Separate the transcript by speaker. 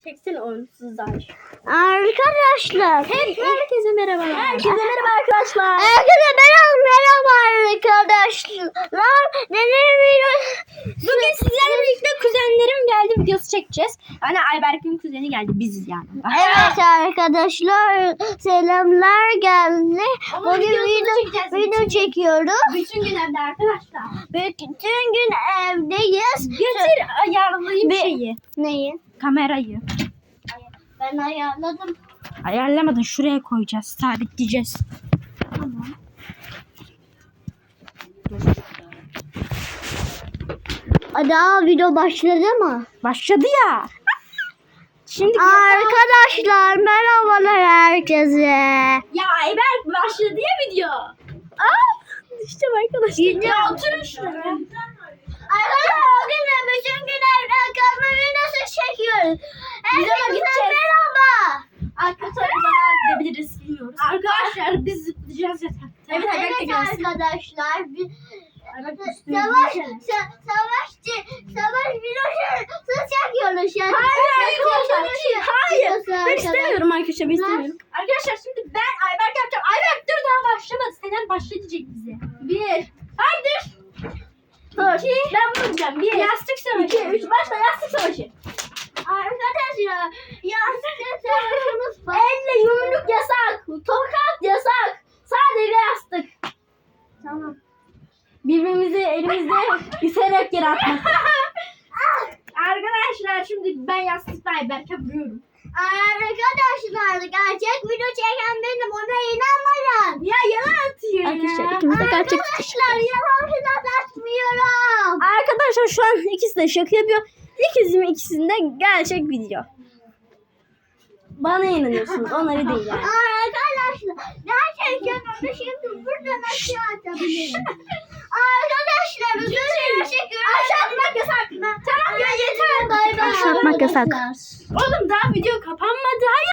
Speaker 1: Çeksene onsuzlar.
Speaker 2: Arkadaşlar.
Speaker 1: Herkese merhabalar.
Speaker 2: Herkese merhaba
Speaker 1: arkadaşlar.
Speaker 2: Herkese merhaba arkadaşlar. Neler videosu?
Speaker 1: Bugün sizlerle birlikte kuzenlerim geldi videosu çekeceğiz. Yani Ayberk'in kuzeni geldi, biziz yani.
Speaker 2: Evet arkadaşlar, selamlar geldi.
Speaker 1: Ama
Speaker 2: Bugün
Speaker 1: videosunu çekeceğiz.
Speaker 2: video çekiyoruz.
Speaker 1: Bütün gün evde arkadaşlar.
Speaker 2: Bütün gün evdeyiz.
Speaker 1: Getir ayarlayayım
Speaker 2: Bir-
Speaker 1: şeyi.
Speaker 2: Neyi?
Speaker 1: Kamerayı.
Speaker 2: Ben ayarladım.
Speaker 1: Ayarlamadın, şuraya koyacağız. Sabitleyeceğiz.
Speaker 2: Tamam. Daha video başladı mı?
Speaker 1: Başladı ya. Şimdi
Speaker 2: Arkadaşlar merhabalar herkese.
Speaker 1: ya Ayberk başladı ya video. Düştüm arkadaşlar. Ya oturun şuraya.
Speaker 2: Arkadaşlar bugün de bütün gün evden kalma videosu çekiyoruz. Herkese
Speaker 1: gideceğiz.
Speaker 2: merhaba.
Speaker 1: Arkadaşlar biz gidebiliriz, bilmiyoruz. Arkadaşlar biz zıplayacağız zaten. Evet Ayberk de
Speaker 2: Evet
Speaker 1: gelsin.
Speaker 2: arkadaşlar.
Speaker 1: Ayberk üstüne
Speaker 2: Savaş
Speaker 1: gideceğiz.
Speaker 2: savaş videosu çekiyoruz yani.
Speaker 1: Hayır.
Speaker 2: Videosu
Speaker 1: Ben
Speaker 2: arkadaşlar.
Speaker 1: istemiyorum arkadaşlar, ben istemiyorum. Arkadaşlar şimdi ben Ayberk yapacağım. Ayberk dur, daha başlamadı. Senen başlayacak bize. 1. Haydi. 2. Ben bunu diyeceğim. 1. Yastık savaşı. 2. 3. Başla yastık savaşı.
Speaker 2: Arkadaşlar yastık savaşımız var.
Speaker 1: Elle yumruk yasak. Tokat yasak. Sadece yastık.
Speaker 2: Tamam.
Speaker 1: Birbirimizi elimizde üserek yere atmak. Arkadaşlar şimdi ben yastıkla Ayberk'e vuruyorum.
Speaker 2: Arkadaşlar gerçek video çeken benim, ona inanmayın.
Speaker 1: Ya yalan atıyor
Speaker 2: Arkadaşlar,
Speaker 1: ya.
Speaker 2: ikimiz de gerçek Arkadaşlar yalan falan atmıyorum.
Speaker 1: Arkadaşlar şu an ikisi de şaka yapıyor. İkisinde gerçek video. Bana inanıyorsunuz, onları değil yani.
Speaker 2: Arkadaşlar gerçekten onu şimdi buradan aşağı atabilirim. Arkadaşlar üzerine çekiyorum.
Speaker 1: Aşağı atmak yasak. Tamam ya, yeter.
Speaker 2: Bay bay.
Speaker 1: Aşağı atmak yasak.
Speaker 2: Arkadaşlar.
Speaker 1: Oğlum daha video kapanmadı. Hayır.